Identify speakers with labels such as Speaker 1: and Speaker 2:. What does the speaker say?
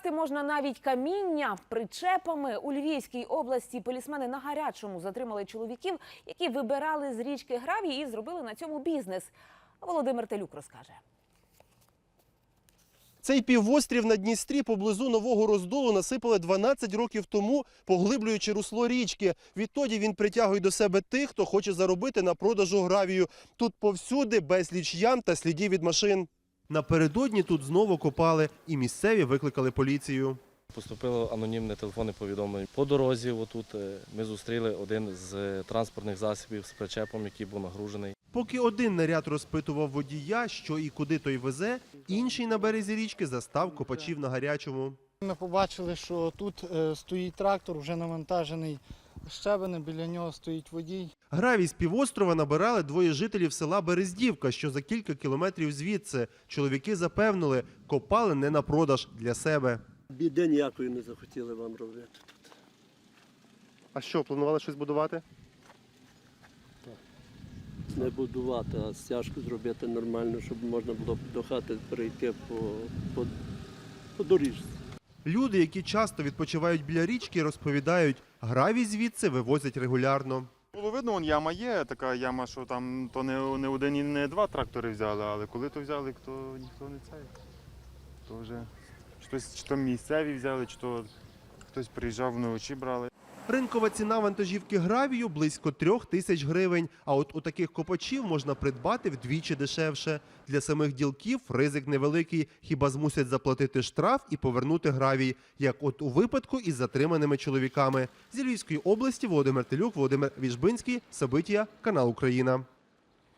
Speaker 1: Вкрасти можна навіть каміння причепами. У Львівській області полісмени на гарячому затримали чоловіків, які вибирали з річки гравій і зробили на цьому бізнес. Володимир Телюк розкаже.
Speaker 2: Цей півострів на Дністрі поблизу Нового Роздолу насипали 12 років тому, поглиблюючи русло річки. Відтоді він притягує до себе тих, хто хоче заробити на продажу гравію. Тут повсюди безліч ям та слідів від машин. Напередодні тут знову копали і місцеві викликали поліцію.
Speaker 3: Поступило анонімне телефонне повідомлення. По дорозі отут ми зустріли один з транспортних засобів з причепом, який був нагружений.
Speaker 2: Поки один наряд розпитував водія, що і куди той везе, інший на березі річки застав копачів на гарячому.
Speaker 4: Ми побачили, що тут стоїть трактор, вже навантажений щебенем, біля нього стоїть водій.
Speaker 2: Гравій з півострова набирали двоє жителів села Берездівка, що за кілька кілометрів звідси. Чоловіки запевнили, копали не на продаж, для себе.
Speaker 5: Біди ніякої не захотіли вам робити тут.
Speaker 2: А що, планували щось будувати?
Speaker 5: Не будувати, а стяжку зробити нормально, щоб можна було до хати перейти по доріжці.
Speaker 2: Люди, які часто відпочивають біля річки, розповідають, гравій звідси вивозять регулярно.
Speaker 6: Було видно, вон яма є, така яма, що там то не один і не два трактори взяли, але коли то взяли, то ніхто не цей. То вже щось, чи то місцеві взяли, чи то хтось приїжджав вночі брали.
Speaker 2: Ринкова ціна вантажівки гравію – близько 3000 гривень, а от у таких копачів можна придбати вдвічі дешевше. Для самих ділків ризик невеликий, хіба змусять заплатити штраф і повернути гравій, як от у випадку із затриманими чоловіками. Зі Львівської області Володимир Телюк, Володимир Віжбинський, Сабитія, канал Україна.